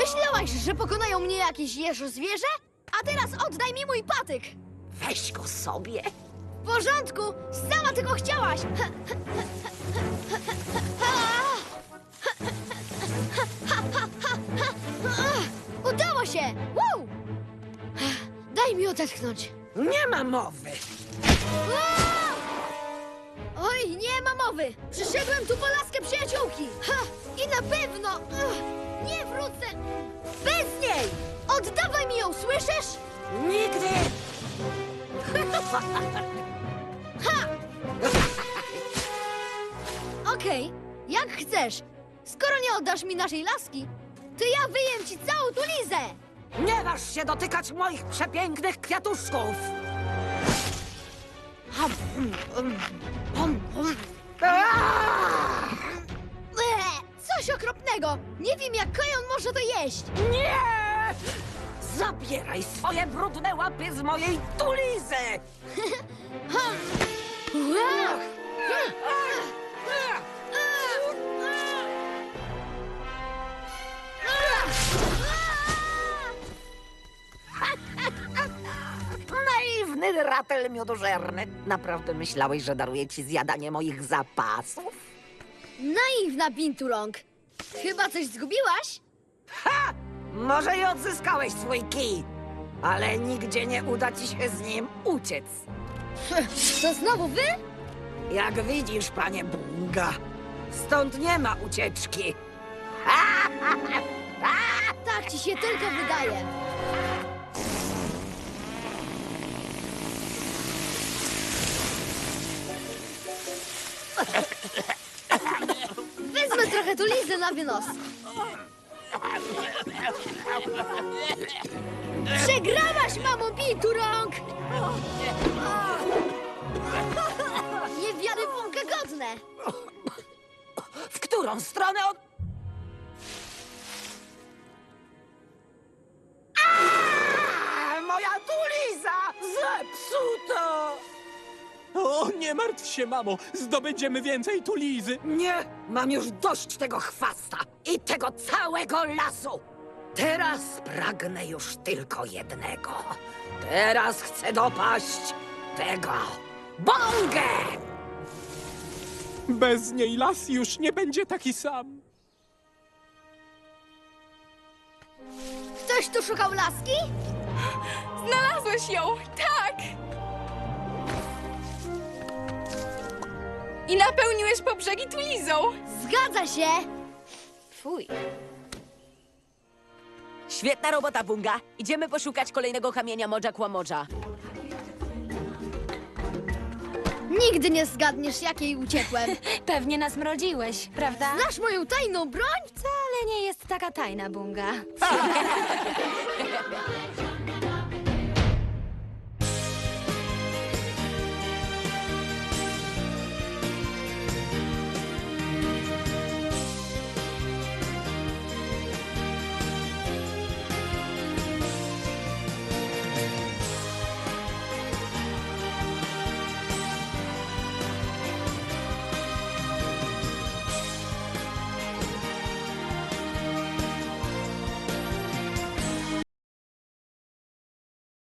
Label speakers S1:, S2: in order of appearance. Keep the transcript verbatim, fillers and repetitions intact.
S1: Myślałaś, że pokonają mnie jakieś jeżo zwierzę? A teraz oddaj mi mój patyk!
S2: Weź go sobie.
S1: W porządku! Sama tego chciałaś! Udało się! Wow! Daj mi odetchnąć.
S2: Nie ma mowy.
S1: Oj, nie ma mowy! Przyszedłem tu po laskę przyjaciółki! Ha! I na pewno ugh, nie wrócę bez niej! Oddawaj mi ją, słyszysz?
S2: Nigdy.
S1: Ha! Okej, jak chcesz. Skoro nie oddasz mi naszej laski, to ja wyjem ci całą tu lizę!
S2: Nie waż się dotykać moich przepięknych kwiatuszków. Aaa!
S1: Eee, coś okropnego! Nie wiem, jak kojon może to jeść!
S2: Nie! Zabieraj swoje brudne łapy z mojej tulizy!
S1: Ua!
S2: Naiwny ratel miodożerny. Naprawdę myślałeś, że daruję ci zjadanie moich zapasów?
S1: Naiwna Bintulong! Chyba coś zgubiłaś?
S2: Ha! Może i odzyskałeś swój kij, ale nigdzie nie uda ci się z nim uciec.
S1: To znowu wy?
S2: Jak widzisz, panie Bunga, stąd nie ma ucieczki.
S1: Tak ci się tylko wydaje. Wezmę trochę tu lizy na wynos. Przegrałaś, mamo Binturong! Niewiary Bunga godne!
S2: W którą stronę on... Aaa! Moja tuliza! Zepsuta!
S3: O, nie martw się, mamo! Zdobędziemy więcej tulizy!
S2: Nie, mam już dość tego chwasta i tego całego lasu. Teraz pragnę już tylko jednego. Teraz chcę dopaść tego Bongę!
S3: Bez niej las już nie będzie taki sam.
S1: Ktoś tu szukał laski?
S4: Znalazłeś ją! Tak! I napełniłeś po brzegi tulizą!
S1: Zgadza się!
S4: Fuj.
S5: Świetna robota, Bunga. Idziemy poszukać kolejnego kamienia Modża Kłamodża.
S1: Nigdy nie zgadniesz, jakiej uciekłem.
S4: Pewnie nas mrodziłeś, prawda?
S1: Znasz moją tajną broń?
S4: Wcale nie jest taka tajna, Bunga.